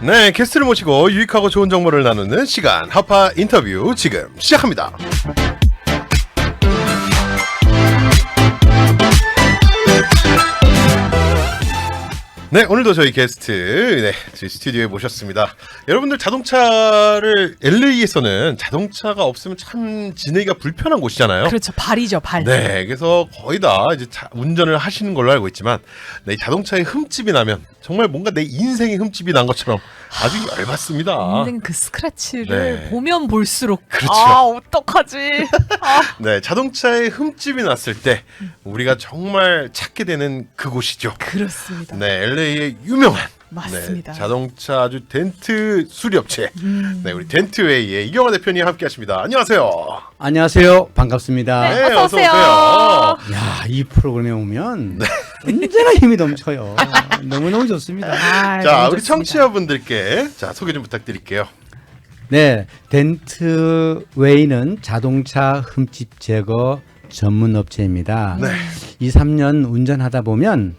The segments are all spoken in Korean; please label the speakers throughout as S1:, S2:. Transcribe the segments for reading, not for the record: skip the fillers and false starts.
S1: 네, 게스트를 모시고 유익하고 좋은 정보를 나누는 시간 하파 인터뷰 지금 시작합니다. 네, 오늘도 저희 게스트 저희 스튜디오에 모셨습니다. 여러분들 자동차를 LA에서는 자동차가 없으면 참 지내기가 불편한 곳이잖아요.
S2: 그렇죠, 발이죠, 발.
S1: 네, 그래서 거의 다 이제 운전을 하시는 걸로 알고 있지만, 네, 자동차에 흠집이 나면 정말 뭔가 내 인생에 흠집이 난 것처럼 아주 열받습니다.
S2: 인생 그 스크래치를
S1: 네.
S2: 보면 볼수록
S1: 그렇죠.
S2: 아 어떡하지?
S1: 네, 자동차에 흠집이 났을 때 우리가 정말 찾게 되는 그곳이죠.
S2: 그렇습니다.
S1: 네, LA의 유명한
S2: 맞습니다.
S1: 네, 자동차 아주 덴트 수리업체 네, 우리 덴트웨이의 이경화 대표님 함께하십니다. 안녕하세요.
S3: 안녕하세요. 반갑습니다.
S2: 네, 어서 오세요.
S3: 야, 이 프로그램에 오면 언제나 힘이 넘쳐요. 너무너무 좋습니다.
S2: 아,
S1: 자,
S2: 너무
S1: 우리
S2: 좋습니다.
S1: 청취자분들께 자 소개 좀 부탁드릴게요.
S3: 네, 덴트웨이는 자동차 흠집 제거 전문 업체입니다.
S1: 네.
S3: 2, 3년 운전하다 보면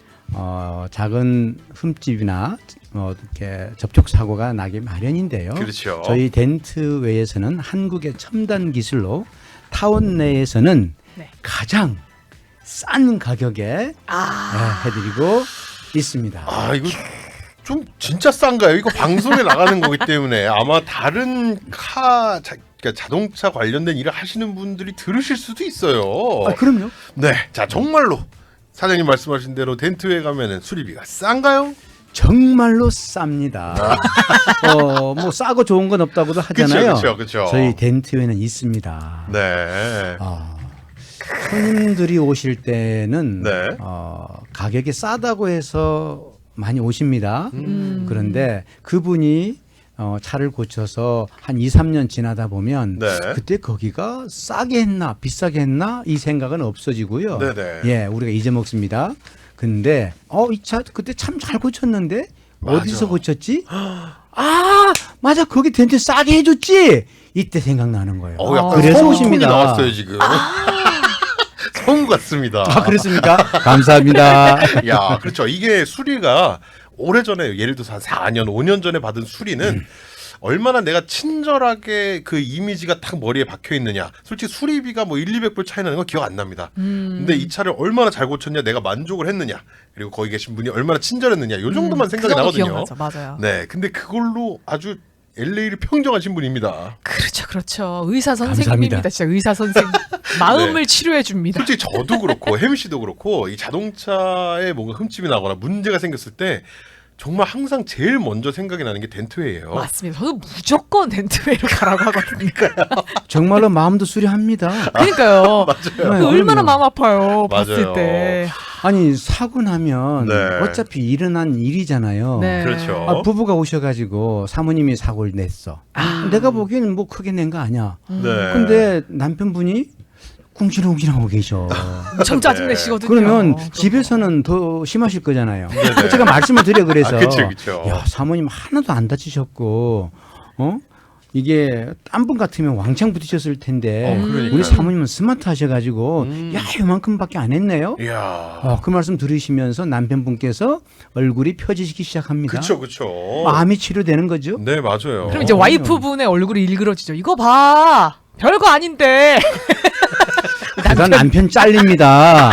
S3: 작은 흠집이나 이렇게 접촉 사고가 나기 마련인데요.
S1: 그렇죠.
S3: 저희 덴트웨이에서는 한국의 첨단 기술로 타운 내에서는
S2: 네.
S3: 가장 싼 가격에 해드리고 있습니다.
S1: 아, 이거 좀 진짜 싼가요? 이거 방송에 나가는 거기 때문에 아마 다른 그러니까 자동차 관련된 일을 하시는 분들이 들으실 수도 있어요.
S3: 아, 그럼요.
S1: 네, 자 정말로 사장님 말씀하신 대로 덴트에 가면은 수리비가 싼가요?
S3: 정말로 쌉니다. 뭐 싸고 좋은 건 없다고도 하잖아요.
S1: 그쵸.
S3: 저희 덴트웨이는 있습니다.
S1: 네.
S3: 손님들이 오실 때는
S1: 네.
S3: 가격이 싸다고 해서 많이 오십니다. 그런데 그분이 차를 고쳐서 한 2, 3년 지나다 보면
S1: 네.
S3: 그때 거기가 싸게 했나 비싸게 했나 이 생각은 없어지고요.
S1: 네네.
S3: 예, 우리가 잊어먹습니다. 근데 이 차 그때 참 잘 고쳤는데
S1: 맞아.
S3: 어디서 고쳤지? 아, 맞아. 거기 덴트 싸게 해줬지. 이때 생각나는 거예요.
S1: 약간
S3: 그래서
S1: 성우
S3: 오십니다.
S1: 톤이 나왔어요 지금. 성우 같습니다.
S3: 아, 그렇습니까? 감사합니다.
S1: 야, 그렇죠. 이게 수리가 오래전에 예를 들어서 한 4년, 5년 전에 받은 수리는 얼마나 내가 친절하게 그 이미지가 딱 머리에 박혀 있느냐. 솔직히 수리비가 뭐 1, 200불 차이 나는 건 기억 안 납니다. 근데 이 차를 얼마나 잘 고쳤냐, 내가 만족을 했느냐, 그리고 거기 계신 분이 얼마나 친절했느냐, 요 정도만 생각이
S2: 그 정도
S1: 나거든요.
S2: 기억나죠, 맞아요.
S1: 네, 근데 그걸로 아주 LA를 평정하신 분입니다.
S2: 그렇죠. 의사
S3: 감사합니다.
S2: 선생님입니다. 진짜 의사 선생. 마음을 치료해 줍니다.
S1: 솔직히 저도 그렇고 혜미 씨도 그렇고 이 자동차에 뭔가 흠집이 나거나 문제가 생겼을 때 정말 항상 제일 먼저 생각이 나는 게 덴트웨이예요.
S2: 맞습니다. 저도 무조건 덴트웨이로 가라고 하거든요.
S3: 정말로 마음도 수리합니다.
S2: 그러니까요.
S1: 맞아요.
S2: 그 얼마나
S3: 그럼요.
S2: 마음 아파요.
S1: 맞아요.
S2: 봤을 때.
S3: 아니 사고 나면
S1: 네.
S3: 어차피 일어난 일이잖아요.
S2: 네.
S1: 그렇죠.
S3: 부부가 오셔가지고 사모님이 사고를 냈어. 내가 보기에는 뭐 크게 낸 거 아니야.
S1: 네.
S3: 근데 남편분이 궁시렁궁시렁하고 계셔.
S2: 엄청 짜증내시거든요.
S3: 그러면
S2: 그거.
S3: 집에서는 더 심하실 거잖아요.
S1: 네네.
S3: 제가 말씀을 드려 그래서.
S1: 그쵸.
S3: 야, 사모님 하나도 안 다치셨고, 이게 딴 분 같으면 왕창 부딪혔을 텐데
S1: 그러니까요.
S3: 우리 사모님은 스마트 하셔가지고 야 요만큼밖에 안 했네요.
S1: 이야.
S3: 그 말씀 들으시면서 남편분께서 얼굴이 펴지기 시작합니다.
S1: 그쵸.
S3: 마음이 치료되는 거죠.
S1: 네, 맞아요.
S2: 그럼 이제 와이프분의 얼굴이 일그러지죠. 이거 봐. 별거 아닌데.
S3: 그러다 남편 잘립니다.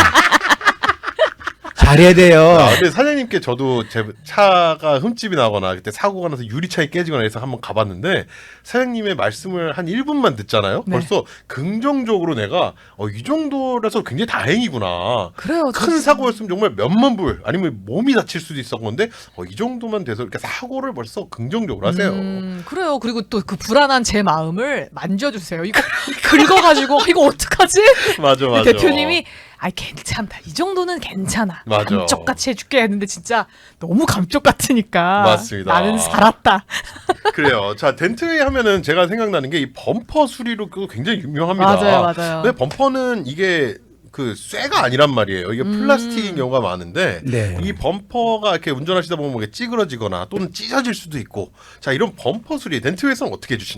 S3: 잘해야 돼요.
S1: 근데 사장님께 저도 제 차가 흠집이 나거나 그때 사고가 나서 유리창이 깨지거나 해서 한번 가봤는데 사장님의 말씀을 한 1분만 듣잖아요.
S2: 네.
S1: 벌써 긍정적으로 내가 이 정도라서 굉장히 다행이구나.
S2: 그래요.
S1: 큰 사고였으면 정말 몇만 불 아니면 몸이 다칠 수도 있었는데 이 정도만 돼서 이렇게 사고를 벌써 긍정적으로 하세요.
S2: 그래요. 그리고 또 그 불안한 제 마음을 만져주세요. 이거 긁어가지고 이거 어떡하지?
S1: 맞아.
S2: 대표님이 괜찮다. 이 정도는 괜찮아.
S1: 맞아.
S2: 감쪽같이 해줄게 했는데 진짜 너무 감쪽 같으니까
S1: 맞습니다.
S2: 나는 살았다.
S1: 그래요. 자, 덴트웨이 하면은 제가 생각나는 게 이 범퍼 수리로 그거 굉장히 유명합니다.
S2: 맞아요.
S1: 근데 범퍼는 이게 그 쇠가 아니란 말이에요. 이게 플라스틱인 경우가 많은데
S3: 네.
S1: 이 범퍼가 이렇게 운전하시다 보면 이게 찌그러지거나 또는 찢어질 수도 있고 자 이런 범퍼 수리 덴트웨이에서는 어떻게 해주시나요?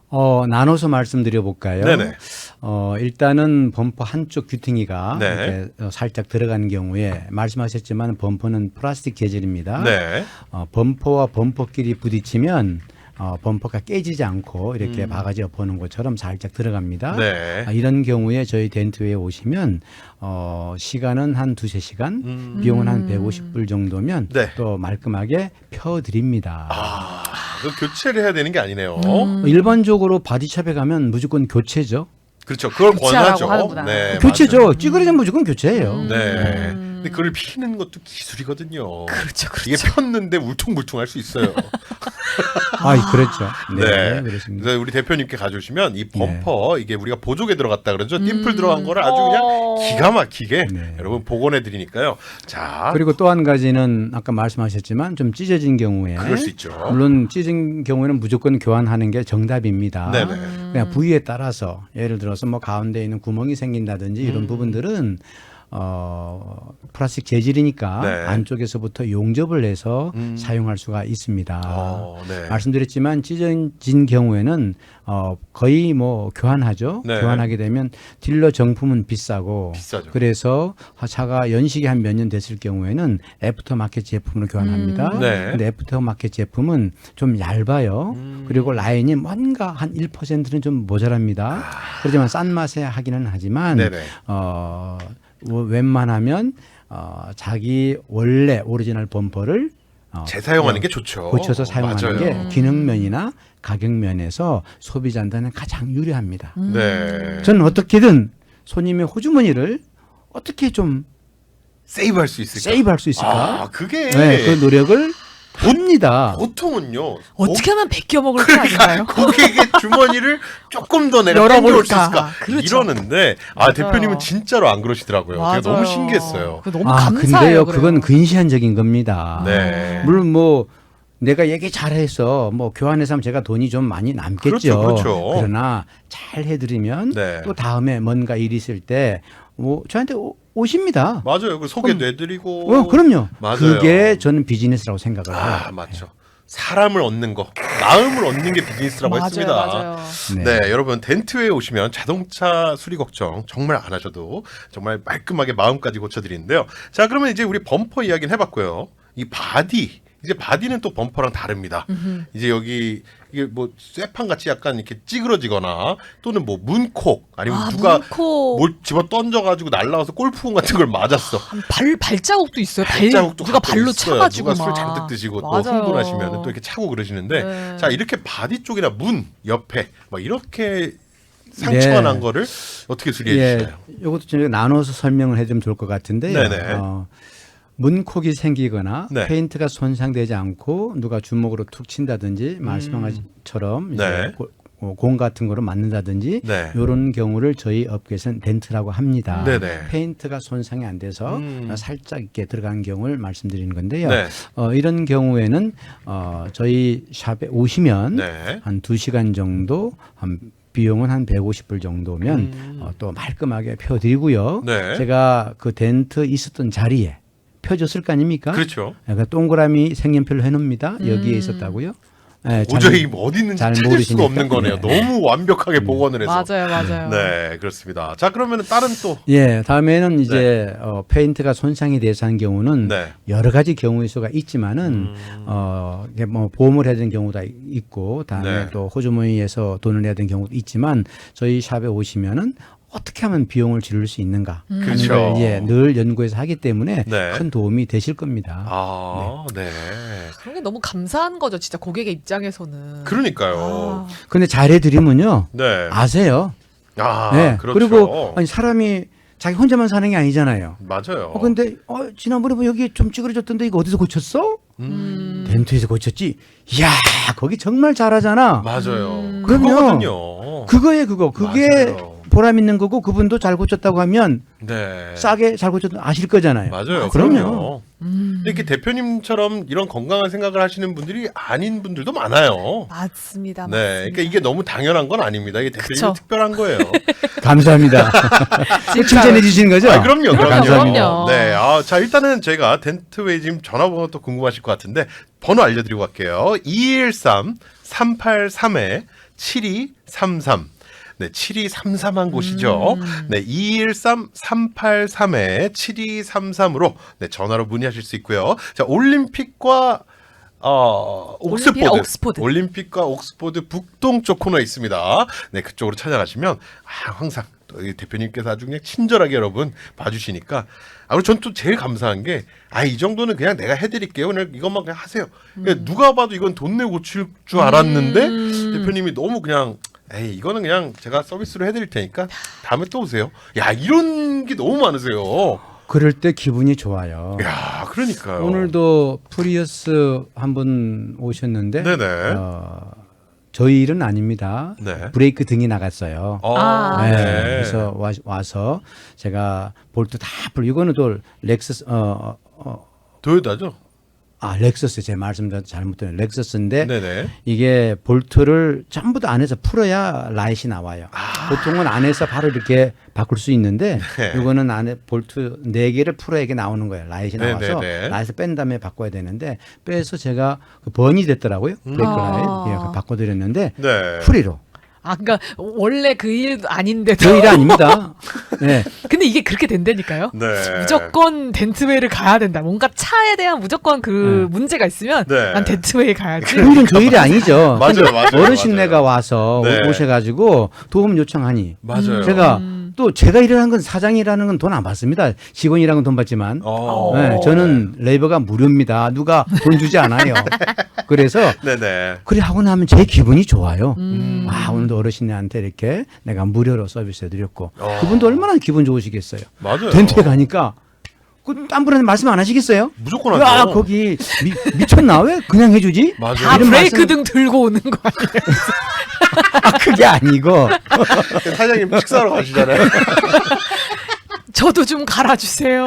S3: 나눠서 말씀드려 볼까요?
S1: 네네.
S3: 일단은 범퍼 한쪽 귀퉁이가
S1: 네.
S3: 이렇게 살짝 들어간 경우에 말씀하셨지만 범퍼는 플라스틱 재질입니다.
S1: 네.
S3: 범퍼와 범퍼끼리 부딪히면 범퍼가 깨지지 않고 이렇게 바가지 엎어놓은 것처럼 살짝 들어갑니다.
S1: 네.
S3: 이런 경우에 저희 덴트웨에 오시면 시간은 한 2-3시간, 비용은 한 150불 정도면
S1: 네.
S3: 또 말끔하게 펴드립니다.
S1: 그 교체를 해야 되는 게 아니네요.
S3: 일반적으로 바디샵에 가면 무조건 교체죠.
S1: 그렇죠. 그걸
S2: 교체하라고
S1: 권하죠.
S2: 하는구나.
S1: 네,
S3: 교체죠.
S1: 맞아요.
S3: 찌그러지면 무조건 교체예요.
S1: 네. 근데 그걸 피는 것도 기술이거든요.
S2: 그렇죠, 그렇죠.
S1: 이게 폈는데 울퉁불퉁할 수 있어요.
S3: 그렇죠.
S1: 네.
S3: 그렇습니다.
S1: 그래서 우리 대표님께 가져오시면 이 범퍼 이게 우리가 보조개 들어갔다 그러죠. 딤플 들어간 거를 아주 그냥 기가 막히게
S3: 네.
S1: 여러분 복원해 드리니까요. 자,
S3: 그리고 또 한 가지는 아까 말씀하셨지만 좀 찢어진 경우에
S1: 그럴 수 있죠.
S3: 물론 찢은 경우에는 무조건 교환하는 게 정답입니다.
S1: 네네.
S3: 그냥 부위에 따라서 예를 들어서 뭐 가운데 있는 구멍이 생긴다든지 이런 부분들은 플라스틱 재질이니까
S1: 네.
S3: 안쪽에서부터 용접을 해서 사용할 수가 있습니다.
S1: 네.
S3: 말씀드렸지만 찢어진 경우에는 거의 뭐 교환하죠.
S1: 네.
S3: 교환하게 되면 딜러 정품은 비싸고
S1: 비싸죠.
S3: 그래서 차가 연식이 한 몇 년 됐을 경우에는 애프터 마켓 제품으로 교환합니다.
S1: 네.
S3: 근데 애프터 마켓 제품은 좀 얇아요. 그리고 라인이 뭔가 한 1%는 좀 모자랍니다. 그렇지만 싼 맛에 하기는 하지만
S1: 네네.
S3: 웬만하면 자기 원래 오리지널 범퍼를
S1: 재사용하는 게 좋죠.
S3: 고쳐서 사용하는
S1: 맞아요.
S3: 게 기능면이나 가격면에서 소비자한테는 가장 유리합니다.
S1: 네.
S3: 저는 어떻게든 손님의 호주머니를 어떻게 좀
S1: 세이브할 수 있을까?
S3: 세이브할 수 있을까?
S1: 그게
S3: 네, 그 노력을 합니다.
S1: 보통은요.
S2: 어떻게 하면 베껴 먹을 거 아닌가요?
S1: 고객의 주머니를 조금 더 내가
S2: 열어볼까.
S1: 땡겨올 수 있을까?
S2: 그렇죠.
S1: 이러는데
S2: 맞아요.
S1: 대표님은 진짜로 안 그러시더라고요. 제가 너무
S2: 맞아요.
S1: 신기했어요.
S2: 그거 너무 감사해요.
S3: 근데요, 그건 근시안적인 겁니다.
S1: 네.
S3: 물론 뭐 내가 얘기 잘해서 뭐 교환해서 하면 제가 돈이 좀 많이 남겠죠.
S1: 그렇죠.
S3: 그러나 잘 해드리면
S1: 네.
S3: 또 다음에 뭔가 일 있을 때 뭐 저한테 오십니다.
S1: 맞아요. 그 소개도 해드리고.
S3: 그럼요.
S1: 맞아요.
S3: 그게 저는 비즈니스라고 생각을 해요.
S1: 맞죠. 사람을 얻는 거, 마음을 얻는 게 비즈니스라고
S2: 맞아요,
S1: 했습니다.
S2: 맞아요.
S1: 네, 여러분 덴트웨에 오시면 자동차 수리 걱정 정말 안 하셔도 정말 말끔하게 마음까지 고쳐드리는데요. 자, 그러면 이제 우리 범퍼 이야기는 해봤고요. 이 바디. 이제 바디는 또 범퍼랑 다릅니다. 이제 여기 이게 뭐 쇠판 같이 약간 이렇게 찌그러지거나 또는 뭐 문콕 아니면 누가
S2: 문콕.
S1: 뭘 집어 던져가지고 날라와서 골프공 같은 걸 맞았어.
S2: 발자국도 있어요.
S1: 발자국도
S2: 누가
S1: 가끔
S2: 발로
S1: 있어요.
S2: 차가지고
S1: 누가 술
S2: 막.
S1: 잔뜩 드시고 또
S2: 맞아요.
S1: 흥분하시면 또 이렇게 차고 그러시는데
S2: 네.
S1: 자 이렇게 바디 쪽이나 문 옆에 막 이렇게 상처가
S3: 네.
S1: 난 거를 어떻게 수리해
S3: 예,
S1: 주시나요?
S3: 이것도 좀 나눠서 설명을 해주면 좋을 것 같은데요.
S1: 네네.
S3: 문콕이 생기거나
S1: 네.
S3: 페인트가 손상되지 않고 누가 주먹으로 툭 친다든지 말씀한 것처럼 이제
S1: 네.
S3: 공 같은 거로 맞는다든지
S1: 네.
S3: 이런 경우를 저희 업계에서는 덴트라고 합니다.
S1: 네네.
S3: 페인트가 손상이 안 돼서 살짝 이렇게 들어간 경우를 말씀드리는 건데요.
S1: 네.
S3: 이런 경우에는 저희 샵에 오시면
S1: 네.
S3: 한 2시간 정도 비용은 한 150불 정도면 또 말끔하게 펴드리고요.
S1: 네.
S3: 제가 그 덴트 있었던 자리에 펴줬을 거 아닙니까?
S1: 그렇죠.
S3: 그러니까 동그라미 색연필로 해놓습니다. 여기에 있었다고요. 네,
S1: 도저히 어디 있는지
S3: 잘
S1: 찾을
S3: 모르시니까.
S1: 수가 없는 거네요.
S3: 네.
S1: 너무 완벽하게 복원을 해서.
S2: 맞아요.
S1: 네, 그렇습니다. 자, 그러면 다른 또
S3: 예, 다음에는 이제 페인트가 손상이 돼서 한 경우는
S1: 네.
S3: 여러 가지 경우의 수가 있지만은 이게 뭐 보험을 해야 되는 경우도 있고 다음에
S1: 네.
S3: 또 호주머니에서 돈을 내야 되는 경우도 있지만 저희 샵에 오시면은 어떻게 하면 비용을 줄일 수 있는가 하는
S1: 그렇죠.
S3: 걸 늘 연구해서 하기 때문에
S1: 네.
S3: 큰 도움이 되실 겁니다.
S1: 네.
S2: 그런 게 너무 감사한 거죠. 진짜 고객의 입장에서는.
S1: 그러니까요.
S3: 근데 잘해드리면요
S1: 네.
S3: 아세요. 네.
S1: 그렇죠.
S3: 그리고 아니 사람이 자기 혼자만 사는 게 아니잖아요.
S1: 맞아요.
S3: 근데 지난번에 뭐 여기 좀 찌그러졌던데 이거 어디서 고쳤어? 덴트에서 고쳤지. 이야 거기 정말 잘하잖아.
S1: 맞아요.
S3: 그럼요.
S1: 그거거든요.
S3: 그게
S1: 맞아요.
S3: 보람 있는 거고 그분도 잘 고쳤다고 하면
S1: 네.
S3: 싸게 잘 고쳤다 아실 거잖아요.
S1: 맞아요.
S3: 그럼요.
S1: 이렇게 대표님처럼 이런 건강한 생각을 하시는 분들이 아닌 분들도 많아요.
S2: 맞습니다.
S1: 네, 그러니까 이게 너무 당연한 건 아닙니다. 이게 대표님
S2: 그쵸.
S1: 특별한 거예요.
S3: 감사합니다. 칭찬해 주시는 거죠?
S1: 그럼요.
S3: 감사합니다.
S1: 네, 자 일단은 저희가 덴트웨이 지금 전화번호 또 궁금하실 것 같은데 번호 알려드리고 갈게요. 213 213-383-7233. 네, 7233한 곳이죠. 네, 213-383-7233으로 네, 전화로 문의하실 수 있고요. 자, 올림픽과 옥스포드. 올림픽과 옥스포드 북동쪽 코너에 있습니다. 네, 그쪽으로 찾아가시면 항상 또 이 대표님께서 아주 그냥 친절하게 여러분 봐주시니까 그리고 전 또 제일 감사한 게 이 정도는 그냥 내가 해드릴게요. 그냥 이것만 그냥 하세요. 그러니까 누가 봐도 이건 돈 내고 고칠 줄 알았는데 대표님이 너무 그냥 이거는 그냥 제가 서비스로 해드릴 테니까 다음에 또 오세요. 야, 이런 게 너무 많으세요.
S3: 그럴 때 기분이 좋아요.
S1: 야, 그러니까요.
S3: 오늘도 프리어스 한 분 오셨는데
S1: 네네.
S3: 저희 일은 아닙니다.
S1: 네.
S3: 브레이크 등이 나갔어요.
S1: 네.
S3: 그래서 와서 제가 볼트 다 이거는 또 렉서스
S1: 도요타죠?
S3: 렉서스 제 말씀 잘못된 렉서스인데
S1: 네네.
S3: 이게 볼트를 전부 다 안에서 풀어야 라이트이 나와요. 보통은 안에서 바로 이렇게 바꿀 수 있는데
S1: 네.
S3: 이거는 안에 볼트 4개를 풀어야 이게 나오는 거예요. 라이트이 나와서
S1: 네네네.
S3: 라이트 뺀 다음에 바꿔야 되는데 빼서 제가 그 번이 됐더라고요. 브레이크 라이트 바꿔드렸는데
S1: 네.
S3: 프리로.
S2: 그러니까 원래 그 일도 아닌데도.
S3: 저 일 아닙니다. 네.
S2: 근데 이게 그렇게 된다니까요.
S1: 네.
S2: 무조건 덴트웨이를 가야 된다. 뭔가 차에 대한 무조건 그 문제가 있으면
S1: 네.
S2: 난 덴트웨이 가야지.
S3: 그 일은 저 일이 아니죠.
S1: 맞아요, 맞아요.
S3: 어르신네가 와서
S1: 네.
S3: 오셔가지고 도움 요청하니
S1: 맞아요.
S3: 제가 또 제가 일하는 건 사장이라는 건 돈 안 받습니다. 직원이라는 건 돈 받지만 네, 저는 레이버가 무료입니다. 누가 돈 주지 않아요. 그래서
S1: 네네.
S3: 그래 하고 나면 제 기분이 좋아요. 오늘도 어르신네한테 이렇게 내가 무료로 서비스해드렸고 그분도 얼마나 기분 좋으시겠어요.
S1: 맞아요.
S3: 덴트에 가니까 딴 분한테 말씀 안 하시겠어요?
S1: 무조건 하죠.
S3: 거기 미쳤나? 왜 그냥 해주지?
S1: 맞아요.
S2: 다
S3: 이런
S2: 브레이크
S3: 말씀-
S2: 등 들고 오는 거 아니에요?
S3: 그게 아니고
S1: 사장님 식사하러 가시잖아요.
S2: 저도 좀 갈아주세요.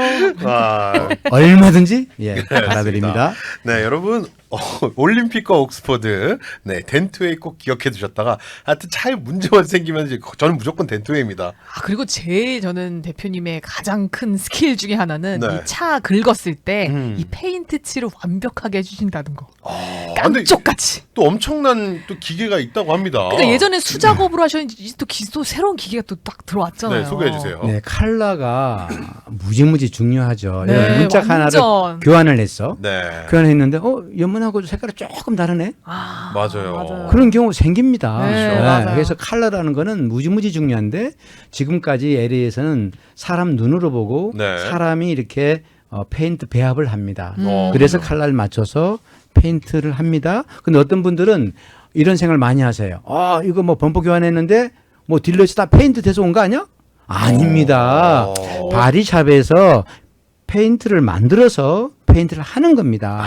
S3: 얼마든지 바라드립니다.
S1: 네, 여러분 올림픽과 옥스포드, 네, 덴트웨이 꼭 기억해 두셨다가 하여튼 차에 문제만 생기면 이제 저는 무조건 덴트웨이입니다.
S2: 그리고 제일 저는 대표님의 가장 큰 스킬 중에 하나는
S1: 네.
S2: 이 차 긁었을 때 이
S1: 음.
S2: 페인트 칠을 완벽하게 해주신다는 거.
S1: 근데
S2: 깜쪽같이.
S1: 또 엄청난 또 기계가 있다고 합니다.
S2: 그러니까 예전에 수작업으로 하셨는지 또 새로운 기계가 또 딱 들어왔잖아요.
S1: 네, 소개해 주세요.
S3: 네, 컬러가 무지무지 중요하죠.
S2: 네,
S3: 문짝 하나를
S2: 완전.
S3: 교환을 했어.
S1: 네,
S3: 교환했는데 연문하고 색깔이 조금 다르네.
S1: 맞아요.
S3: 그런 경우 생깁니다.
S2: 네, 맞아요.
S3: 그래서 컬러라는 거는 무지무지 중요한데 지금까지 LA에서는 사람 눈으로 보고
S1: 네.
S3: 사람이 이렇게 페인트 배합을 합니다.
S1: 어,
S3: 그래서
S1: 그래요?
S3: 컬러를 맞춰서 페인트를 합니다. 근데 어떤 분들은 이런 생각을 많이 하세요. 이거 뭐 범퍼 교환했는데 뭐 딜러에서 다 페인트 돼서 온 거 아니야? 아닙니다. 바디샵에서 페인트를 만들어서 페인트를 하는 겁니다.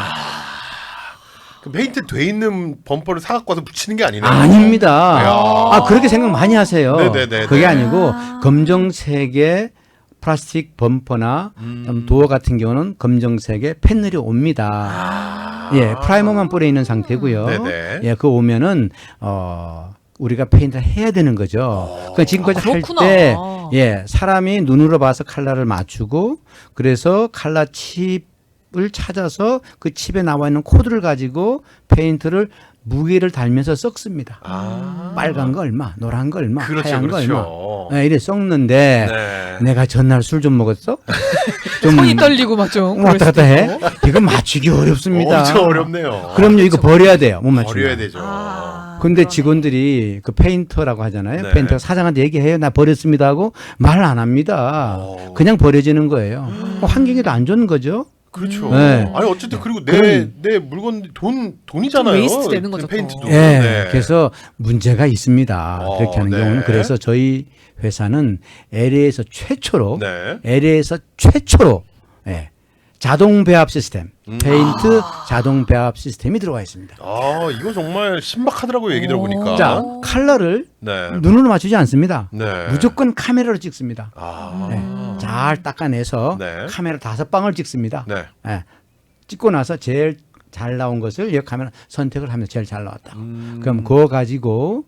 S1: 그 페인트 돼 있는 범퍼를 사갖고 와서 붙이는 게 아니네요.
S3: 아닙니다.
S1: 이야.
S3: 그렇게 생각 많이 하세요.
S1: 네네네네.
S3: 그게 아니고 검정색의 플라스틱 범퍼나 도어 같은 경우는 검정색의 패널이 옵니다. 프라이머만 뿌려 있는 상태고요.
S1: 네네.
S3: 그거 오면은 우리가 페인트를 해야 되는 거죠. 그러니까 지금까지 할
S2: 그렇구나.
S3: 때 사람이 눈으로 봐서 컬러를 맞추고 그래서 컬러 칩을 찾아서 그 칩에 나와 있는 코드를 가지고 페인트를 무게를 달면서 썩습니다. 빨간 거 얼마, 노란 거 얼마,
S1: 그렇죠,
S3: 하얀 거
S1: 그렇죠.
S3: 얼마. 이래 썩는데
S1: 네.
S3: 내가 전날 술 좀 먹었어?
S2: 손이 떨리고 막 좀
S3: 왔다 갔다 해? 이거 맞추기 어렵습니다.
S1: 엄청 어렵네요.
S3: 그럼요, 이거 버려야 돼요. 못 맞추면.
S1: 버려야 되죠.
S3: 근데 직원들이 그 페인터라고 하잖아요.
S1: 네.
S3: 페인터가 사장한테 얘기해요. 나 버렸습니다 하고 말 안 합니다. 그냥 버려지는 거예요. 환경에도 안 좋은 거죠.
S1: 그렇죠.
S3: 네.
S1: 아니 어쨌든 그리고
S3: 그럼-
S1: 내 물건 돈이잖아요.
S2: 좀 웨이스트 되는 거죠,
S1: 페인트도.
S2: 또.
S1: 네.
S3: 그래서 문제가 있습니다. 그렇게 하는
S1: 네.
S3: 경우는. 그래서 저희 회사는 LA에서 최초로
S1: 네.
S3: LA에서 최초로 자동 배합 시스템, 페인트 자동 배합 시스템이 들어가 있습니다.
S1: 이거 정말 신박하더라고요. 얘기 들어보니까.
S3: 자, 컬러를
S1: 네.
S3: 눈으로 맞추지 않습니다.
S1: 네.
S3: 무조건 카메라로 찍습니다. 잘 닦아내서
S1: 네.
S3: 카메라 5방을 찍습니다.
S1: 네.
S3: 찍고 나서 제일 잘 나온 것을 이 카메라 선택을 하면 제일 잘 나왔다. 그럼 그거 가지고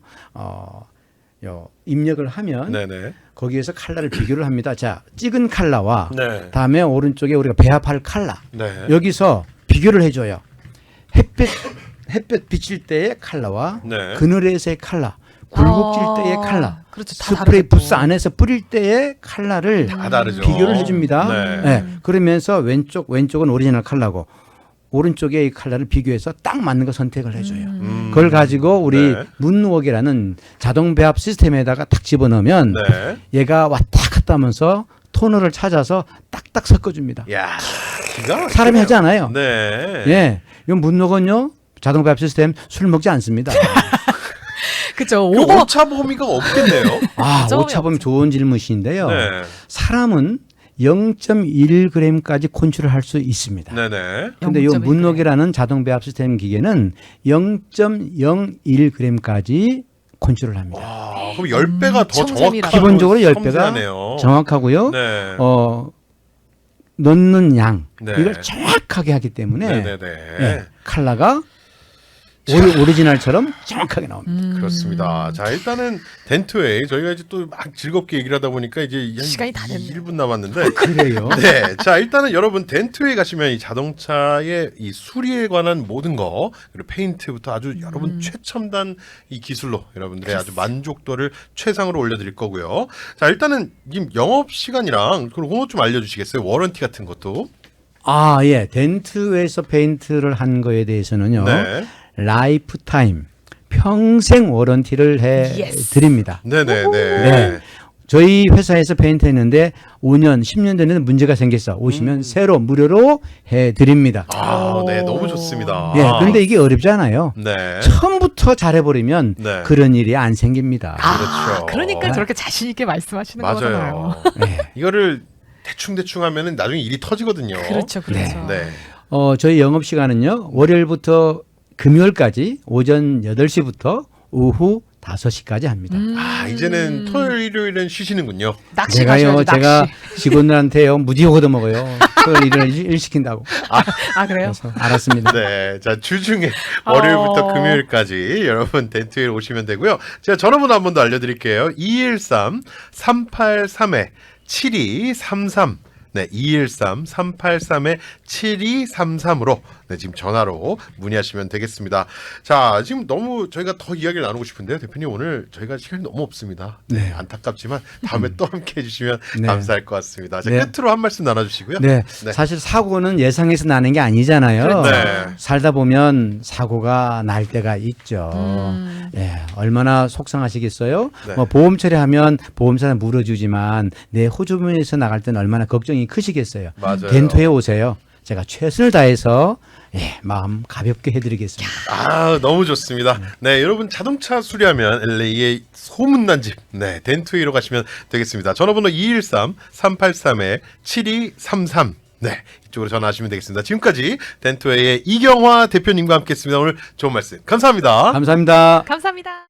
S3: 입력을 하면
S1: 네네.
S3: 거기에서 컬러를 비교를 합니다. 자, 찍은 컬러와
S1: 네.
S3: 다음에 오른쪽에 우리가 배합할 컬러
S1: 네.
S3: 여기서 비교를 해줘요. 햇볕 비칠 때의 컬러와
S1: 네.
S3: 그늘에서의 컬러, 굴곡질 때의 컬러,
S2: 그렇죠. 다
S3: 스프레이
S2: 다르죠.
S3: 부스 안에서 뿌릴 때의 컬러를
S1: 다 다르죠.
S3: 비교를 해줍니다.
S1: 네.
S3: 네. 그러면서 왼쪽은 오리지널 컬러고 오른쪽에 이 컬러를 비교해서 딱 맞는 거 선택을 해줘요. 그걸 가지고 우리
S1: 네.
S3: 문웍이라는 자동 배합 시스템에다가 딱 집어넣으면
S1: 네.
S3: 얘가 왔다 갔다 하면서 토너를 찾아서 딱딱 섞어줍니다.
S1: 야, 기가 막히네요.
S3: 사람이 하지 않아요.
S1: 네.
S3: 예, 이 문웍은요 자동 배합 시스템 술 먹지 않습니다.
S2: 그죠.
S1: 그
S2: 오버.
S1: 오차 범위가 없겠네요.
S3: 아,
S2: 점이
S3: 오차범위 좋은 질문이신데요.
S1: 네.
S3: 사람은 0.1g까지 컨트롤 할 수 있습니다.
S1: 네네.
S3: 근데 이
S2: 0.1g.
S3: 문웍이라는 자동 배합 시스템 기계는 0.01g까지 컨트롤 합니다.
S1: 와, 그럼 10배가 더
S2: 청샘이라.
S1: 정확하고
S3: 기본적으로 10배가
S1: 섬세하네요.
S3: 정확하고요.
S1: 네.
S3: 넣는 양
S1: 네.
S3: 이걸 정확하게 하기 때문에
S1: 네네네.
S3: 예, 컬러가 오리지널처럼 정확하게 나옵니다.
S1: 그렇습니다. 자, 일단은 덴트웨이 저희가 이제 또 막 즐겁게 얘기를 하다 보니까 이제 한
S2: 시간이 다 됐네요.
S1: 1분 남았는데
S3: 그래요.
S1: 네. 자, 일단은 여러분 덴트웨이 가시면 이 자동차의 이 수리에 관한 모든 거 그리고 페인트부터 아주 여러분 최첨단 이 기술로 여러분들의 아주 만족도를 최상으로 올려드릴 거고요. 자, 일단은 님 영업 시간이랑 그리고 그거 좀 알려주시겠어요? 워런티 같은 것도.
S3: 아, 예. 덴트에서 페인트를 한 거에 대해서는요.
S1: 네.
S3: 라이프 타임 평생 워런티를 해
S2: Yes.
S3: 드립니다.
S1: 네네네.
S3: 네. 저희 회사에서 페인트 했는데 5년, 10년 전에는 문제가 생겼어. 오시면 새로 무료로 해 드립니다.
S1: 아, 네. 너무 좋습니다.
S3: 예. 그런데 이게 어렵잖아요.
S1: 네.
S3: 처음부터 잘해버리면
S1: 네.
S3: 그런 일이 안 생깁니다.
S1: 그렇죠.
S2: 그러니까 저렇게 자신 있게 말씀하시는 거잖아요.
S1: 맞아요.
S3: 네.
S1: 이거를 대충 하면은 나중에 일이 터지거든요.
S2: 그렇죠, 그렇죠.
S1: 네.
S3: 저희 영업 시간은요. 월요일부터 금요일까지 오전 8시부터 오후 5시까지 합니다.
S1: 아, 이제는 토요일, 일요일은 쉬시는군요.
S2: 낚시
S3: 제가요,
S2: 가셔야죠,
S3: 제가
S2: 낚시.
S3: 직원들한테요 무지 얻어먹어요. 토요일 일 시킨다고.
S2: 아 그래요?
S3: 그래서 알았습니다.
S1: 네. 자, 주중에 월요일부터 금요일까지 여러분 덴트웨이 오시면 되고요. 제가 전화번호 한 번 더 알려드릴게요. 213-383-7233. 네, 213-383-7233으로 네, 지금 전화로 문의하시면 되겠습니다. 자, 지금 너무 저희가 더 이야기를 나누고 싶은데요. 대표님 오늘 저희가 시간이 너무 없습니다. 네, 안타깝지만 다음에 또 함께 해주시면
S3: 네.
S1: 감사할 것 같습니다. 자,
S3: 네.
S1: 끝으로 한 말씀 나눠주시고요.
S3: 네,
S1: 네.
S3: 사실 사고는 예상해서 나는 게 아니잖아요.
S1: 네.
S3: 살다 보면 사고가 날 때가 있죠. 예, 얼마나 속상하시겠어요?
S1: 네.
S3: 뭐 보험 처리하면 보험사는 물어주지만 내 호주머니에서 나갈 때는 얼마나 걱정이 크시겠어요.
S1: 맞아요.
S3: 덴토에 오세요. 제가 최선을 다해서 마음 가볍게 해드리겠습니다.
S1: 아, 너무 좋습니다. 네, 여러분 자동차 수리하면 LA의 소문난 집, 네, 덴트웨이로 가시면 되겠습니다. 전화번호 213-383-7233. 네, 이쪽으로 전화하시면 되겠습니다. 지금까지 덴트웨이의 이경화 대표님과 함께했습니다. 오늘 좋은 말씀 감사합니다.
S3: 감사합니다.
S2: 감사합니다.